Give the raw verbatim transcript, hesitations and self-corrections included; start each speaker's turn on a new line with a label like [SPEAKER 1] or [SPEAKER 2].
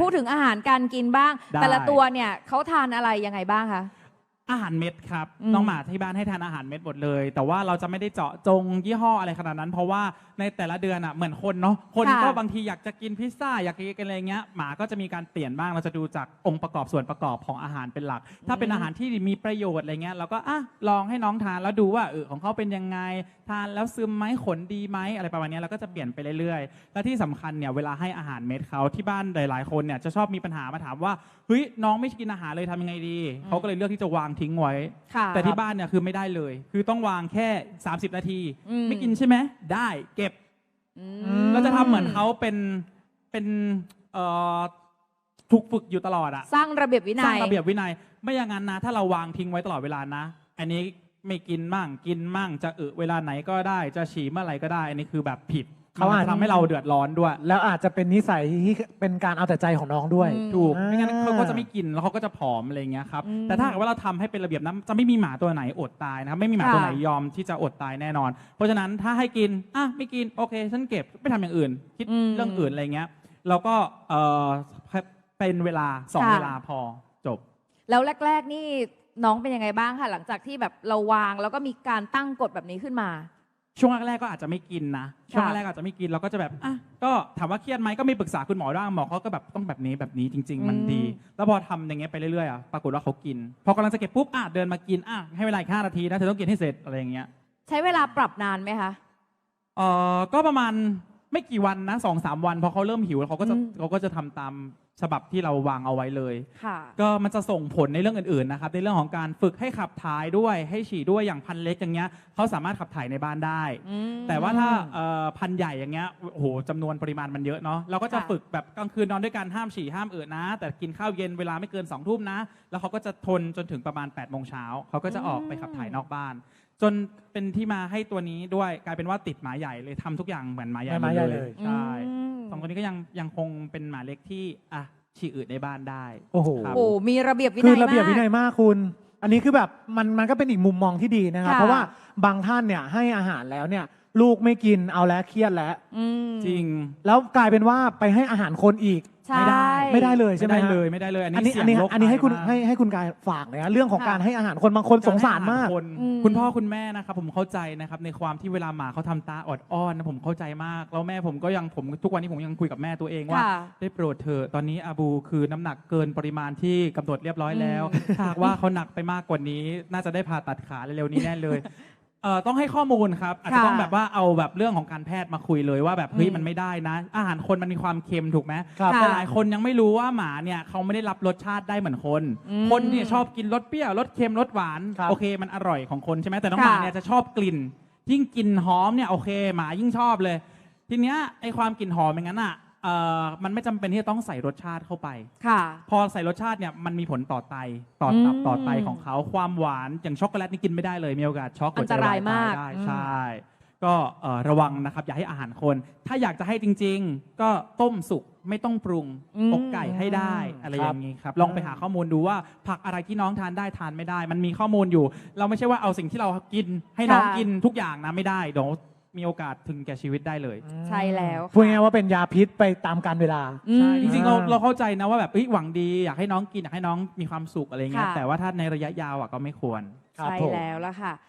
[SPEAKER 1] พูดถึงอาหารการกินบ้าง แต่ละตัวเนี่ยเขาทานอะไรยังไงบ้างคะ
[SPEAKER 2] อาหารเม็ดครับ
[SPEAKER 1] อืม
[SPEAKER 2] น้องหมาที่บ้านให้ทานอาหารเม็ดหมดเลย แต่ว่าเราจะไม่ได้เจาะจงยี่ห้ออะไรขนาดนั้น เพราะว่าในแต่ละเดือนอ่ะเหมือนคนเนาะคน
[SPEAKER 1] ค่ะ
[SPEAKER 2] ก็บางทีอยากจะกินพิซซ่าอยากจะกินอะไรเงี้ยหมาก็จะมีการเปลี่ยนบ้างเราจะดูจากองค์ประกอบส่วนประกอบของอาหารเป็นหลัก ถ้าเป็นอาหารที่มีประโยชน์อะไรเงี้ยเราก็อ่ะลองให้น้องทานแล้วดูว่าเออของเขาเป็นยังไงทานแล้วซึมไหมขนดีไหมอะไรประมาณเนี้ยเราก็จะเปลี่ยนไปเรื่อยๆ และที่สำคัญเนี่ยเวลาให้อาหารเม็ดเขาที่บ้านหลายๆคนเนี่ยจะชอบมีปัญหามาถามว่าเฮ้ยน้องไม่กินอาหารเลยทำยังไงดีเขาก็เลยเลือกที่จะวางทิ้งไว้
[SPEAKER 1] ค่ะ
[SPEAKER 2] แต่ที่บ้านเนี่ยคือไม่ได้เลย คือต้องวางแค่สามสิบนาที
[SPEAKER 1] อืม
[SPEAKER 2] ไม่กินใช่ไหมได้เก็บ
[SPEAKER 1] อื
[SPEAKER 3] ม
[SPEAKER 2] เราจะทำเหมือนเขาเป็นเป็นเอ่อถูกฝึกอยู่ตลอดอะ
[SPEAKER 1] สร้างระเบียบวินัย
[SPEAKER 2] สร้างระเบียบวินัยไม่อย่างนั้นนะถ้าเราวางทิ้งไว้ตลอดเวลานะ อันนี้ไม่กินมั่งกินมั่งจะอึเวลาไหนก็ได้จะฉี่เมื่อไหร่ก็ได้ อันนี้คือแบบผิด
[SPEAKER 3] เขาอาจ
[SPEAKER 2] มันจะทำให้เราเดือดร้อนด้วย
[SPEAKER 3] แล้วอาจจะเป็นนิสัยที่เป็นการเอาแต่ใจของน้องด้วย
[SPEAKER 1] อืม
[SPEAKER 2] ถูก
[SPEAKER 3] อ่า
[SPEAKER 2] ไม่งั้นเขาก็จะไม่กินแล้วเขาก็จะผอมอะไรเงี้ยครับ
[SPEAKER 1] อืม
[SPEAKER 2] แต่ถ้าหากว่าเราทำให้เป็นระเบียบนะจะไม่มีหมาตัวไหนอดตายนะครับไม่มีหมา
[SPEAKER 1] ค่ะ
[SPEAKER 2] ตัวไหนยอมที่จะอดตายแน่นอน เพราะฉะนั้นถ้าให้กินอ่ะไม่กินโอเคฉันเก็บไม่ทำอย่างอื่น คิด
[SPEAKER 1] อืม
[SPEAKER 2] เรื่องอื่นอะไรเงี้ยเราก็เออเป็นเวลาสอง
[SPEAKER 1] ค่ะ
[SPEAKER 2] เวลาพอจบ
[SPEAKER 1] แล้วแรก ๆ นี่น้องเป็นยังไงบ้างคะหลังจากที่แบบเราวางแล้วก็มีการตั้งกฎแบบนี้ขึ้นมา
[SPEAKER 2] ช่วงแรกๆก็อาจจะไม่กินนะช่วง
[SPEAKER 1] ค่ะ
[SPEAKER 2] แรกๆอาจจะไม่กินเราก็จะแบบอ่ะก็ถามว่าเครียดไหมก็มีปรึกษาคุณหมอบ้างหมอเขาก็แบบต้องแบบนี้แบบนี้จริง ๆ มันดี แล้วพอทำอย่างเงี้ยไปเรื่อยๆอ่ะปรากฏว่าเขากิน พอกำลังจะเก็บปุ๊บอ่ะเดินมากินอ่ะให้เวลาอีกห้านาทีนะเธอต้องกินให้เสร็จอะไรอย่างเงี้ย
[SPEAKER 1] ใช้เวลาปรับนานไหมคะ
[SPEAKER 2] เออก็ประมาณไม่กี่วันนะสองสามวันพอเขาเริ่มหิวเขาก็จะ
[SPEAKER 1] อืม
[SPEAKER 2] เขาก็จะทำตามฉบับที่เราวางเอาไว้เลย
[SPEAKER 1] ค่ะ
[SPEAKER 2] ก็มันจะส่งผลในเรื่องอื่นๆนะครับในเรื่องของการฝึกให้ขับถ่ายด้วยให้ฉี่ด้วยอย่างพันเล็กอย่างเงี้ยเขาสามารถขับถ่ายในบ้านได้
[SPEAKER 1] อืม
[SPEAKER 2] แต่ว่าถ้าเอ่อพันใหญ่อย่างเงี้ยโอ้โหจำนวนปริมาณมันเยอะเนาะเราก็จะ
[SPEAKER 1] ค่ะ
[SPEAKER 2] ฝึกแบบกลางคืนนอนด้วยกันห้ามฉี่ห้ามเอืดนะ แต่กินข้าวเย็นเวลาไม่เกินสองทุ่มนะ แล้วเขาก็จะทนจนถึงประมาณ8ปดโมงเช้าเขาก็จะออกไปขับถ่ายนอกบ้าน จนเป็นที่มาให้ตัวนี้ด้วยกลายเป็นว่าติดหมาใหญ่เลยทำทุกอย่างเหมือนหมาใหญ่
[SPEAKER 3] หมาใหญ่
[SPEAKER 2] มด
[SPEAKER 3] เลย
[SPEAKER 2] ใช่
[SPEAKER 1] อืม
[SPEAKER 2] สองตัวนี้ก็ยังยังคงเป็นหมาเล็กที่อ่ะฉี่อืดในบ้านได้
[SPEAKER 3] โอ้โห
[SPEAKER 2] ครับ
[SPEAKER 1] โอ้มีระเบียบวินัย
[SPEAKER 3] คือ
[SPEAKER 1] มาก
[SPEAKER 3] ระเบียบวินัยมากคุณ อันนี้คือแบบมันมันก็เป็นอีกมุมมองที่ดีนะครับ
[SPEAKER 1] ค่ะ
[SPEAKER 3] เพราะว่าบางท่านเนี่ยให้อาหารแล้วเนี่ย ลูกไม่กินเอาแล้วเครียดแล้ว
[SPEAKER 1] อืม
[SPEAKER 2] จริง
[SPEAKER 3] แล้วกลายเป็นว่าไปให้อาหารคนอีก
[SPEAKER 1] ใช่
[SPEAKER 2] ไม่ได้
[SPEAKER 3] ไม่ได้เลยใช่
[SPEAKER 2] ไม่
[SPEAKER 3] ไหม
[SPEAKER 2] ได้
[SPEAKER 3] ฮะ
[SPEAKER 2] เลยไม่ได้เลย อัน
[SPEAKER 3] อัน
[SPEAKER 2] นี้
[SPEAKER 3] นี้อันนี้
[SPEAKER 2] เสี่ยงโรค
[SPEAKER 3] อันนี้ให้คุณ
[SPEAKER 2] ตายมาก
[SPEAKER 3] ให้ให้คุณกายฝากเลยนะเรื่องของ
[SPEAKER 1] ค่ะ
[SPEAKER 3] การให้อาหารคนบางคนสงสารมาก
[SPEAKER 2] คน
[SPEAKER 1] อืม
[SPEAKER 2] คุณพ่อคุณแม่นะครับผมเข้าใจนะครับในความที่เวลาหมาเขาทำตาอดอ้อนนะผมเข้าใจมากแล้วแม่ผมก็ยังผมทุกวันนี้ผมยังคุยกับแม่ตัวเองว่า
[SPEAKER 1] ค่ะ
[SPEAKER 2] ได้โปรดเถอะตอนนี้อาบูคือน้ำหนักเกินปริมาณที่กำหนดเรียบร้อยแล้ว
[SPEAKER 1] อืม
[SPEAKER 2] ถ้าหากว่าเขาหนักไปมากกว่านี้ น่าจะได้ผ่าตัดขาเร็วๆนี้แน่เลยเอ่อต้องให้ข้อมูลครับอาจจะต้องแบบว่าเอาแบบเรื่องของการแพทย์มาคุยเลยว่าแบบเฮ้ย
[SPEAKER 1] อืม
[SPEAKER 2] มันไม่ได้นะ อาหารคนมันมีความเค็มถูกไหม
[SPEAKER 3] ครับ
[SPEAKER 2] แต่หลายคนยังไม่รู้ว่าหมาเนี่ยเขาไม่ได้รับรสชาติได้เหมือนคน
[SPEAKER 1] อืม
[SPEAKER 2] คนเนี่ยชอบกินรสเปรี้ยวรสเค็มรสหวาน
[SPEAKER 3] ครับ
[SPEAKER 2] โอเคมันอร่อยของคนใช่ไหมแต่น้องหมา
[SPEAKER 1] ค่ะ
[SPEAKER 2] เนี่ยจะชอบกลิ่น ยิ่งกลิ่นหอมเนี่ยโอเคหมายิ่งชอบเลย ทีเนี้ยไอความกลิ่นหอมอย่างนั้นอ่ะเอ่อมันไม่จำเป็นที่จะต้องใส่รสชาติเข้าไป
[SPEAKER 1] ค่ะ
[SPEAKER 2] พอใส่รสชาติเนี่ยมันมีผลต่อไตต่อตับ
[SPEAKER 1] อืม
[SPEAKER 2] ต่อไตของเขาความหวานอย่างช็อกโกแลตนี่กินไม่ได้เลยมีโอกาสช็อกหัวใจ
[SPEAKER 1] อันตรายมาก
[SPEAKER 2] วได้
[SPEAKER 3] อืม
[SPEAKER 2] ใช่ ก็เอ่อระวังนะครับอย่าให้อาหารคน ถ้าอยากจะให้จริง ๆ ก็ต้มสุกไม่ต้องปรุง
[SPEAKER 1] อืม
[SPEAKER 2] อกไก่ให้ได้อะไรอย่างนี้ครับลองไปหาข้อมูลดูว่าผักอะไรที่น้องทานได้ทานไม่ได้ มันมีข้อมูลอยู่ เราไม่ใช่ว่าเอาสิ่งที่เรากินให้น้อง
[SPEAKER 1] ค่ะ
[SPEAKER 2] กินทุกอย่างนะไม่ได้เดี๋ยวมีโอกาสถึงแก่ชีวิตได้เลย
[SPEAKER 1] ใช่แล้ว
[SPEAKER 3] พูดง่ายๆว่าเป็นยาพิษไปตามกาลเวลา
[SPEAKER 1] อืม
[SPEAKER 2] ใช่จริงๆเรา
[SPEAKER 3] อ่า
[SPEAKER 2] เราเข้าใจนะว่าแบบเฮ้ยหวังดีอยากให้น้องกินอยากให้น้องมีความสุขอะไรเงี้ย
[SPEAKER 1] ค่ะ
[SPEAKER 2] แต่ว่าถ้าในระยะยาวอ่ะก็ไม่ควร
[SPEAKER 3] ครับ
[SPEAKER 1] ใช่
[SPEAKER 3] ผม
[SPEAKER 1] แล้วละค่ะ